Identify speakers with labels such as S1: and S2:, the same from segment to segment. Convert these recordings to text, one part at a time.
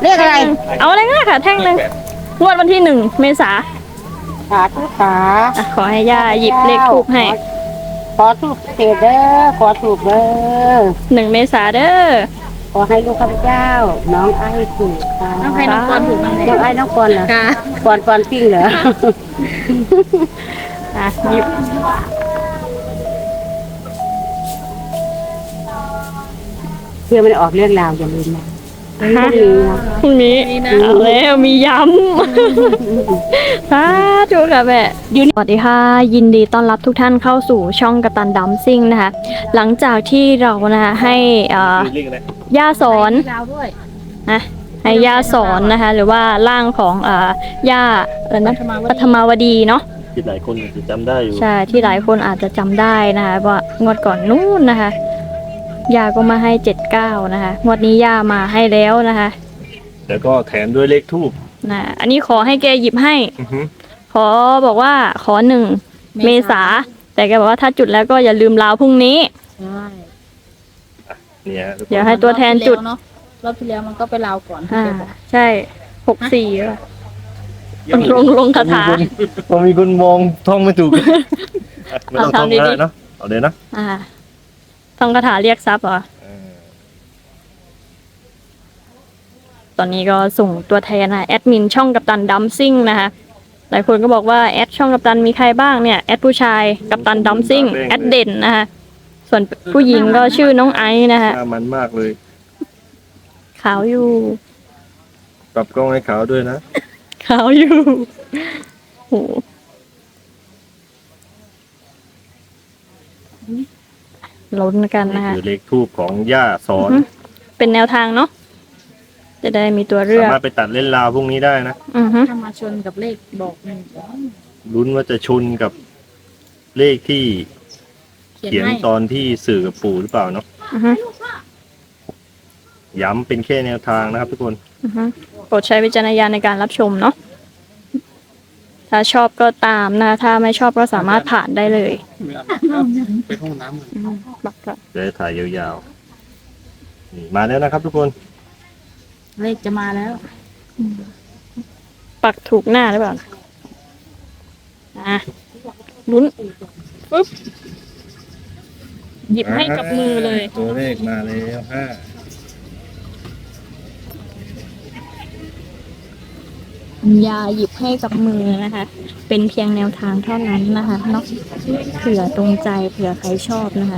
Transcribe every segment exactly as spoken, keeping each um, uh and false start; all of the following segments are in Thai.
S1: เรียกอะไร
S2: เอาอะไรก็ได้ค่ะแท่งหนึ่งงวดวันที่หนึ่งเมษา
S1: ขาทุกขา
S2: อ่ะขอให้ย่าหยิบเลขทูบให้
S1: ขอถูกเถิดเด้อขอถูกเด้อ
S2: หนึ่งเมษาเด้อ
S1: ขอให้ลูกข้าพเจ้า น้องไอ้ถูกค่ะ
S2: น้องไอ้น้องกรถูกมั้ง
S1: น้องไอ้น้องกรเหรอ
S2: ค่ะ
S1: กรกรปิ้งเหรอ
S2: อ่ะหยิบ
S1: เพื่อมันออกเรื่องราวอย่าลืมนะ
S2: ฮะพรุ่งนี้เอาแล้วมีย้ำ สาธุค่ะแม่สวัสดีค่ะยินดีต้อนรับทุกท่านเข้าสู่ช่องกัปตันดัมซิ่งนะคะหลังจากที่เรานะคะให้อ่าย่าสอนนะให้ย่าสอนนะคะหรือว่าร่างของอ่าย่าเออนะปฐมาวดีเนาะ
S3: ที่หลายคนอาจจะจำได้อยู่
S2: ใช่ที่หลายคนอาจจะจำได้นะคะว่างวดก่อนนู้นนะคะย่าก็มาให้เจ็ดเก้านะคะงวดนี้ย่ามาให้แล้วนะคะ
S3: แล้วก็แถมด้วยเลขทูบ
S2: นะอันนี้ขอให้แกหยิบให้ ขอบอกว่าขอหนึ่งเมษาแต่แกบอกว่าถ้าจุดแล้วก็อย่าลืมลาวพรุ่งนี้
S4: ใช่
S3: เนี่ยทุกคน
S2: เดี๋ยวให้ตัวแทนจุด
S4: เนาะรอบที่แล้วมันก็ไปลาวก่อน
S2: อ่าใช่หกสี่ป่ะลงลงลงคาถา
S3: พอมีคนมองท่องไม่ถูกไม่ต้องท่อง
S2: ทำดีๆ
S3: ก็ได้เนาะเอาเลยนะ
S2: อ่าต้องคาถาเรียกทรัพย์เหรอตอนนี้ก็ส่งตัวแทนนะแอดมินช่องกัปตันดัมซิ่งนะคะหลายคนก็บอกว่าแอดช่องกัปตันมีใครบ้างเนี่ยแอดผู้ชายกัปตันดัมซิ่งแอดเด่นนะคะส่วนผู้หญิงก็ชื่อน้องไอซ์นะคะ
S3: หน้ามันมากเลย
S2: ขาวอยู่
S3: ปรับกล้องให้ขาวด้วยนะ
S2: ขาวอยู่โหลุ้นกันนะคะ
S3: คือเลขทูบของย่าสอน
S2: เป็นแนวทางเนาะจะได้มีตัวเลื
S3: สา
S2: อก
S3: มารถไปตัดเล่นราวพวกนี้ได้นะ
S2: อือฮึ
S4: ถ้ามาชนกับเลขบอกหนึ่ง
S3: ลุ้นว่าจะชนกับเลขที่
S4: เขียน
S3: เขียน
S4: ให้
S3: ตอนที่สื่อกับปู่หรือเปล่าเนาะ
S2: อือฮึ
S3: ย้ำเป็นแค่แนวทางนะครับทุกคน
S2: อือฮึโปรดใช้วิจารณญาณในการรับชมเนาะถ้าชอบก็ตามนะถ้าไม่ชอบก็สามารถผ่านได้เลยไปห้องน้ำบักละ
S3: จะได้ถ่ายยาวๆนี่มาแล้วนะครับทุกคน
S4: เลขจะมาแล้ว
S2: ปักถูกหน้าหรือเปล่าอ่ะลุ้นปึ๊บหยิบให้กับมือเลย
S3: ตัวเลขมาแล้วห้า
S2: ยาหยิบให้กับมือนะคะ เป็นเพียงแนวทางเท่านั้นนะคะเนาะเผื่อตรงใจเผื่อใครชอบนะคะ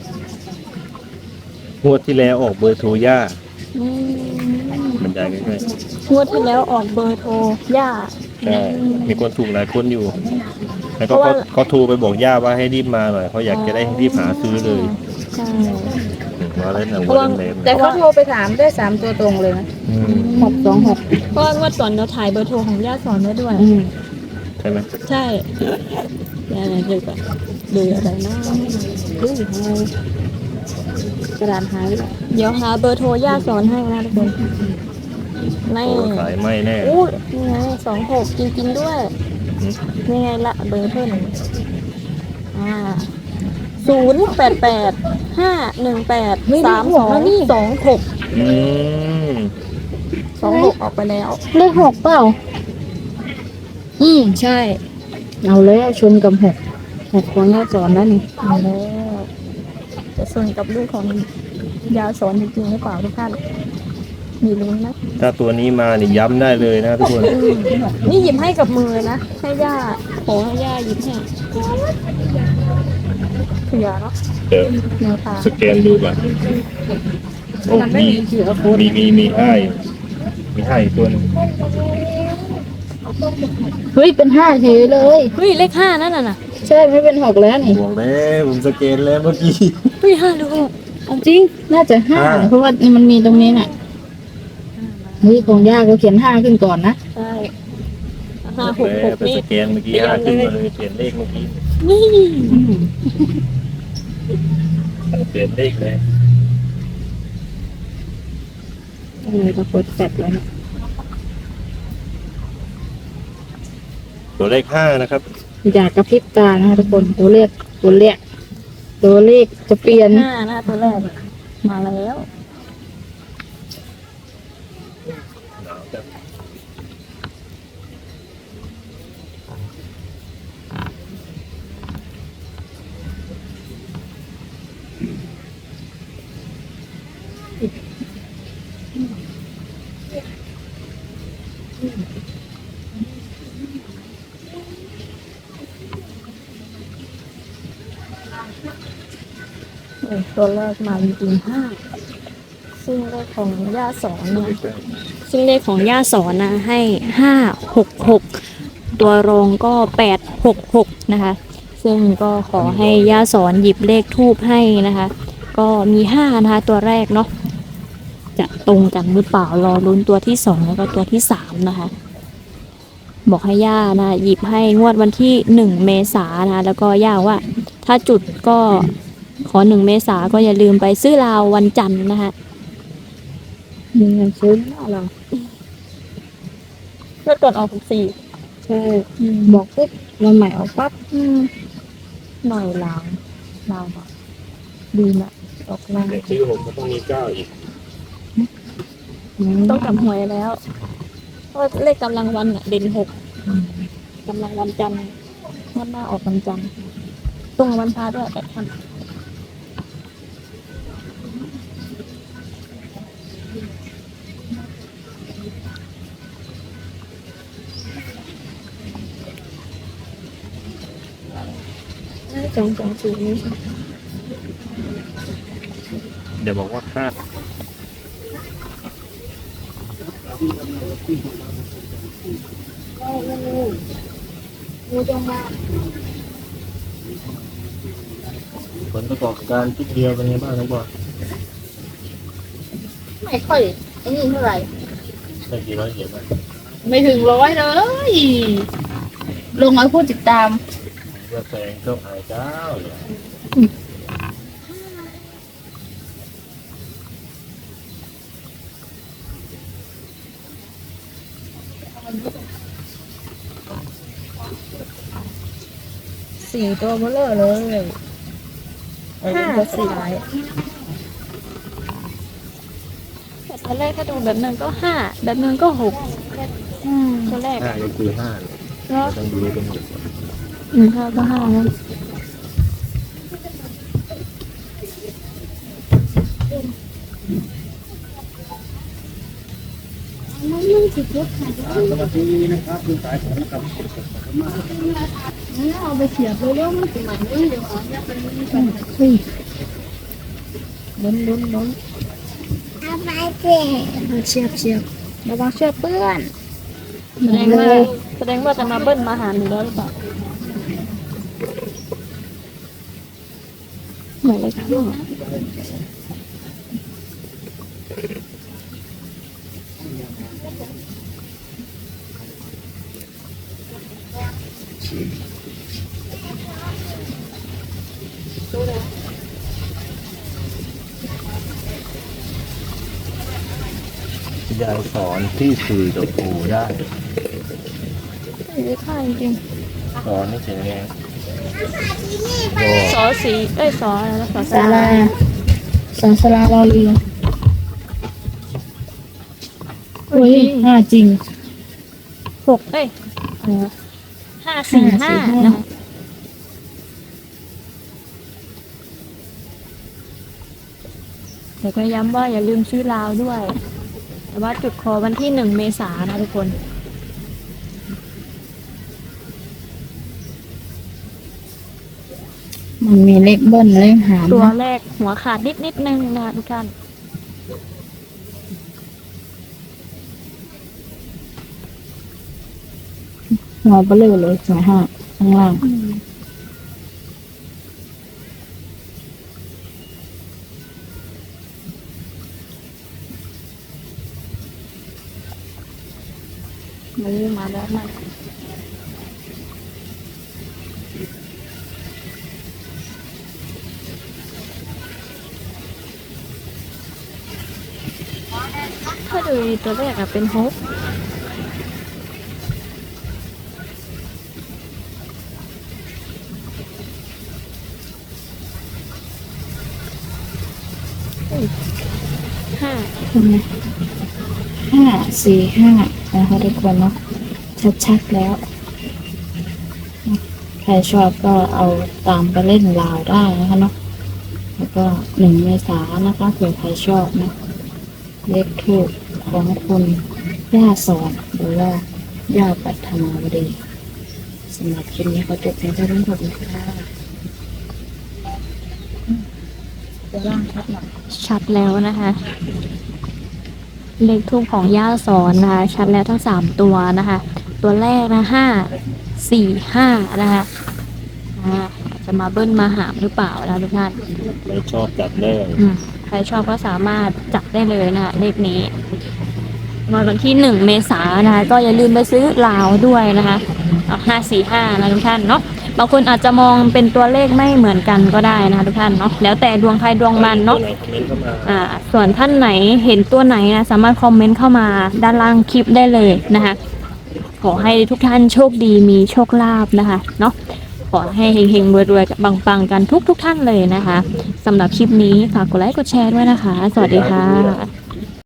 S3: งวดที่แล้วออกเบอร์โทรย่า
S2: อืม
S3: บรรยายใกล้
S2: งวดที่แล้วออกเบอร์โทรย่า
S3: ๆใช่มีคนถูกหลายคนอยู่ แล้วก็
S2: เพราะ
S3: เขา
S2: ว่า
S3: เขาโทรไปบอกย่าว่าให้รีบมาหน่อยเขาอยากจะได้รีบหาซื้อเลย
S2: ใช่
S3: อืมมาแล้วนะ
S2: เพ
S3: วั
S2: ราะว่า
S3: นเล่น
S4: แต่เขาโทรไปถามได้สามตัวตรงเลยนะ
S3: ๆอืม
S4: หกสองหก
S2: เพราะว่างวดก่อนเราถ่ายเบอร์โทรของย่าสอนไว้ด้วย
S3: ใช่ไหม
S2: ใช่ย่าอะไรดูก่อนดูอะไรนะดูให้กระดานหายไปแล้วเดี๋ยวหาเบอร์โทรย่าสอนให้นะทุกคนไม่
S3: โอ้ขายไม่แน่
S2: อู้นี่ไงสองหกจริงๆด้วย
S3: อืม
S2: นี่ไงละเบอร์เพิ่มอ่าศูนย์แปดแปดห้าหนึ่งแปดสามสองสองหก
S3: อืม
S2: สองหกออกไปแล้ว
S1: เลขหกเปล่า
S2: อืมใช่
S1: เอาเลยชนกับหกหกของย่าสอนนั่นนี่
S2: เอาแล้วจะส่วนกับลูกของยาสอนจริงๆหรือเปล่าทุกท่านมีลุ้นนะ
S3: ถ้าตัวนี้มานี่ย้ำได้เลยนะทุกคน
S2: นี่หยิบให้กับมือนะให้ย่าขอให้ย่าหยิบให้เผื่อเนาะ
S3: เดี๋ยว
S2: แนวทาง
S3: สแกนดูก่อนโอ้มีมีมีมีให้มีให้อีกตัวหนึง
S1: เฮ้ยเป็นห้าเฉยเลย
S2: เฮ้ยเลขห้านั่นน่ะนะ
S1: ใช่ไม่เป็นหกแล้วนี่
S3: บอกแล้วผมสแกนแล้วเมื่อกี้
S2: เฮ้ยห้าหรือหก
S1: จริงน่าจะห้า
S3: ห้า
S1: เพราะว่ามันมีตรงนี้น่ะเฮ้ยของย่าก็เขียนห้าขึ้นก่อนนะ
S2: ใช่ห้าหกห
S3: แล้ว
S2: ก
S3: ไป
S2: นี่
S3: สแกนเมื่อกี้ห้าขึ้นมาเลยเปลี่ยนเลขเมื่อกี้
S2: นี่
S3: เปลี่ยนเลขเลย
S1: เออก็กดแปดแล้วนะ
S3: ตัวเลขห้านะครับ
S1: อยากกระพริบตานะคะทุกคนตัวเลขตัวเลขตัวเลขจะเปลี่ยน
S2: ห้านะตัวแรกมาแล้วเออตัวแรกมาจริงๆห้าซึ่งเลขของย่าสอนนะซึ่งเลขของย่าสอนนะให้ห้าหกหกตัวรองก็แปดหกหกนะคะซึ่งก็ขอให้ย่าสอนหยิบเลขทูบให้นะคะ ก็มีห้านะคะตัวแรกเนาะจะตรงกันหรือเปล่ารอลุ้นตัวที่สองแล้วก็ตัวที่สามนะคะ บอกให้ย่านะหยิบให้งวดวันที่หนึ่งเมษายนนะคะแล้วก็ย่าว่า ถ้าจุดก็ขอหนึ่งเมษาก็อย่าลืมไปซื้อลาววันจันทร์นะคะ
S1: มีเงินซื้อเรา
S2: เมื่อก่อนออกสี่
S1: ใช่บอกปุ๊บวันใหม่ออกปั๊บ
S2: หน่อยลาวลาวอะดีนะออกลาว
S3: เด็กที่หกก็ต้องมีเก้าอีก
S2: ต้องกลับหวยแล้วเพราะว่าเลขกำลังวันอะเด่นหกกำลังวันจันทร์งวดหน้าออกวันจันทร์ตรงกับวันพระด้วยแปดพัน
S1: สองสองศูนย์นี่
S3: เดี๋ยวบอกว่าคาดผลประกอบการที่เดียวเป็นไงบ้างน้องบอล
S4: ไม่ค่อยไอ้นี่เท่าไหร่
S3: ได้กี่ร้อยเหรียญบ้าง
S4: ไม่ถึงร้อยเลย ลงมาพูดติดตาม
S3: เพื่อแซงเจ้าอายเจ้าเลย
S4: สี่ตัวเบลเลอร์เลยห้าสี่
S2: แต่ตัวแรกถ้าดูแบบนึงก็ห้าแบบนึงก็หกตัวแรก
S3: ห้าก็คือห้าเลย
S2: แล้ว
S3: ต้องดูเป็นหมด
S2: อืมห้าก็ห้านะเอาไปเสียบเร็วๆมันสมัยนี้เดี๋ยวเอาเนี่ยเป็นเฮ้ยล้นล้นล้น
S4: เชียบเชียบระวังเชือกเปื้อน
S2: แสดงว่าแสดงว่าจะมาเบิ้ลมาหาหนูแล้วหรือเปล่าเหมือนเลยค่ะ
S3: ยายสอนที่สื่อกับครูได้
S2: ไม่ได้ท่าจริง
S3: สอนให้เสียงแรง
S2: ๆสอสีเอ้ยสออะไรนะสอ
S1: สาราสองสาราเราเรือโอ้ยห้าจริง
S2: หกเอ้ยอะไรวะห้าสี่ห้านะคะแต่ก็ย้ำว่าอย่าลืมซื้อลาวด้วย แต่ว่าจุดคอวันที่หนึ่งเมษายนนะทุกคน
S1: มันมีเลขเบิ้ลเลขหาร
S2: ตัว
S1: นะ
S2: แรกหัวขาดนิดนิดนึงนะคะทุกท่าน
S1: หัวเบลอเลยสองห้าข้างล่าง
S2: มาเรื่องมาแล้วมาถ้าดูตัวแรกอะเป็นฮกห้า
S1: ใช่ไหมห้าสี่ห้านะคะทุกคนเนาะชัดๆแล้ว ใครชอบก็เอาตามไปเล่นลาวได้นะคะเนาะแล้วก็หนึ่งเมษายนนะคะเผื่อใครชอบนะเลขถูกของคุณย่าสอนหรือว่าย่าปัทมาวดีสำหรับคลิปนี้ขอจบเพียงเท่านี้ขอบคุณค่ะ
S4: ตัวล่างชัดหน่อย
S2: ชัดแล้วนะคะ เลขทูปของย่าสอนนะคะชัดแล้วทั้งสามตัวนะคะ ตัวแรกนะห้าสี่ห้านะคะอ่าจะมาเบิ้ลมาหามหรือเปล่านะทุกท่าน
S3: ไม่ชอบจัดเลย
S2: อืมใครชอบก็สามารถจับได้เลยนะคะเลขนี้วันที่หนึ่งเมษายนนะคะ ก็อย่าลืมไปซื้อลาวด้วยนะคะห้าสี่ห้านะทุกท่านเนาะบางคนอาจจะมองเป็นตัวเลขไม่เหมือนกันก็ได้นะคะทุกท่านเนาะแล้วแต่ดวงใครดวงมันเนาะ
S3: คอมเมนต์เข้ามา
S2: อ่าส่วนท่านไหนเห็นตัวไหนนะสามารถคอมเมนต์เข้ามาด้านล่างคลิปได้เลยนะคะขอให้ทุกท่านโชคดีมีโชคลาภนะคะเนาะขอให้เฮงๆรวยๆปังๆกันทุกๆท่านเลยนะคะสำหรับคลิปนี้ฝากกดไลค์กดแชร์ด้วยนะคะ สวัสดีค่ะ